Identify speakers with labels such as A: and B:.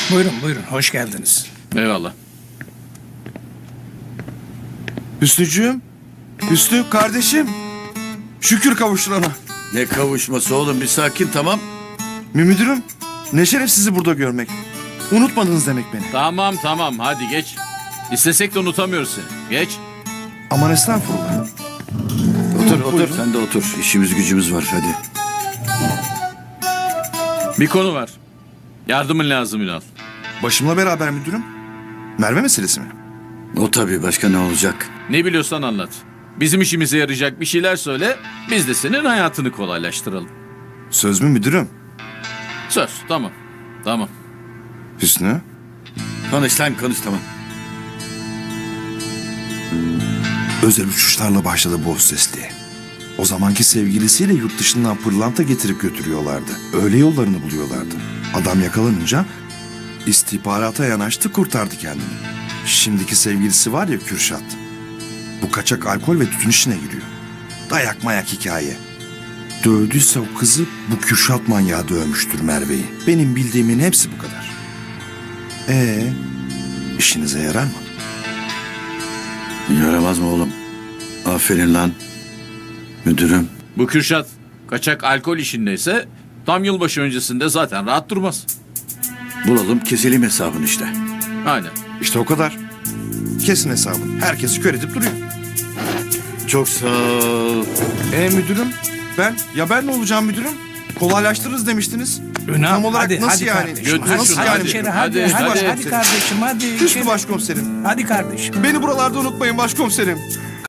A: Buyurun buyurun, hoş geldiniz.
B: Eyvallah.
C: Hüsnücüğüm. Hüsnü kardeşim. Şükür kavuşturana.
D: Ne kavuşması oğlum, bir sakin, tamam.
C: Müdürüm. Ne şeref sizi burada görmek. Unutmadınız demek beni.
B: Tamam hadi geç. İstesek de unutamıyoruz seni. Geç.
C: Aman estağfurullah.
D: Otur. Sen de otur. İşimiz gücümüz var, hadi.
B: Bir konu var. Yardımın lazım Ünal.
C: Başımla beraber müdürüm. Merve meselesi mi?
D: O tabii, başka ne olacak?
B: Ne biliyorsan anlat. Bizim işimize yarayacak bir şeyler söyle. Biz de senin hayatını kolaylaştıralım.
C: Söz mü müdürüm?
B: Söz. Tamam.
C: Hüsnü.
D: Konuş lan, konuş, tamam.
C: Özel uçuşlarla başladı bu hostesliğe. O zamanki sevgilisiyle yurt dışından pırlanta getirip götürüyorlardı. Öyle yollarını buluyorlardı. Adam yakalanınca istihbarata yanaştı, kurtardı kendini. Şimdiki sevgilisi var ya, Kürşat. Bu kaçak alkol ve tütün işine giriyor. Dayak mayak hikaye. Dövdüyse o kızı bu Kürşat manyağı dövmüştür Merve'yi. Benim bildiğimin hepsi bu kadar. İşinize yarar mı?
D: Yaramaz mı oğlum? Aferin lan. Müdürüm.
B: Bu Kürşat kaçak alkol işindeyse tam yılbaşı öncesinde zaten rahat durmaz.
D: Bulalım, keselim hesabını işte.
B: Aynen.
C: İşte o kadar. Kesin hesabını. Herkesi kör edip duruyor.
D: Çok sağ ol.
C: Müdürüm ben ne olacağım müdürüm? Kolaylaştırırız demiştiniz.
A: Ünal,
C: Tam olarak
A: hadi,
C: nasıl
A: hadi
C: yani?
A: kardeşim.
B: Götür
A: Hadi,
B: şunu,
A: hadi
B: hadi.
A: içeri,
B: Hadi,
A: hadi
B: hadi.
A: kardeşim, hadi
C: Hüsnü
A: içeri.
C: başkomiserim.
A: Hadi kardeşim.
C: Beni buralarda unutmayın başkomiserim.